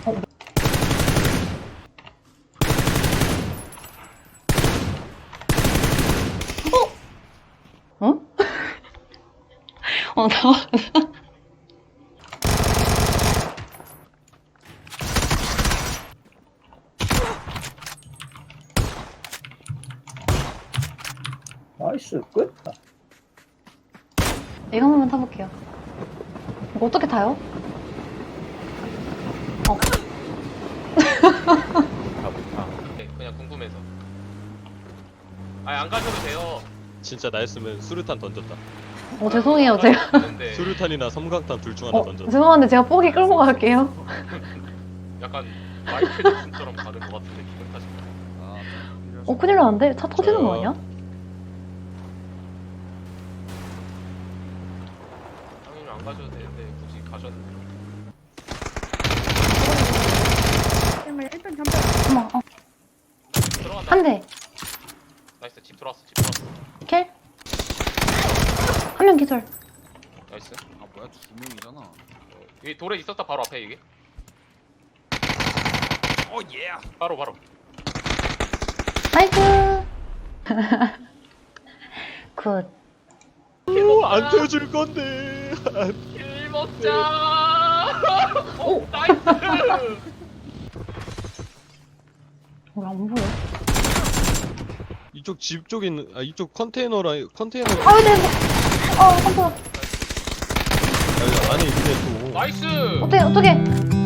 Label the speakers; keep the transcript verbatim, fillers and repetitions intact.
Speaker 1: 어? 어? 어, 나와.
Speaker 2: 나이스 끝.
Speaker 1: 이거 한 번만 타볼게요. 이거 어떻게 타요? 어.
Speaker 3: 네, 그냥 궁금해서. 아니 안 가셔도 돼요.
Speaker 4: 진짜 나였으면 수류탄 던졌다.
Speaker 1: 어, 죄송해요. 제가.
Speaker 3: 근데
Speaker 4: 수류탄이나 섬광탄 둘 중 하나
Speaker 1: 어,
Speaker 4: 던졌다.
Speaker 1: 죄송한데 제가 뽀기 끌고 갈게요.
Speaker 3: 약간 마이클 잭슨처럼 가는 것 같은데 기분 탓인가?
Speaker 1: 어, 큰일 나는데? 차 터지는 거 아니야?
Speaker 3: 당연히 안 가셔도 되는데 굳이 가셨는데.
Speaker 5: 그러면 일단 잠깐.
Speaker 1: 어머, 어.
Speaker 3: 들어간다.
Speaker 1: 한 대.
Speaker 3: 나이스. 집 들어왔어. 집 들어왔어.
Speaker 1: 킬. 한 명 기절.
Speaker 3: 나이스.
Speaker 6: 아 뭐야 두 명이잖아.
Speaker 3: 어, 여기 돌에 있었다 바로 앞에 이게.
Speaker 6: 어 예.
Speaker 3: 바로 바로.
Speaker 1: 나이스. 굿.
Speaker 4: 오, 안 태워줄 건데.
Speaker 3: 킬 먹자. 오 나이스.
Speaker 1: 어, 안 보여.
Speaker 4: 이쪽 집 쪽에 있는, 아 이쪽 컨테이너라 컨테이너.
Speaker 1: 아유, 네. 어, 깜짝이야.
Speaker 4: 아니 근데 또
Speaker 3: 나이스.
Speaker 1: 어떻게, 어떻게.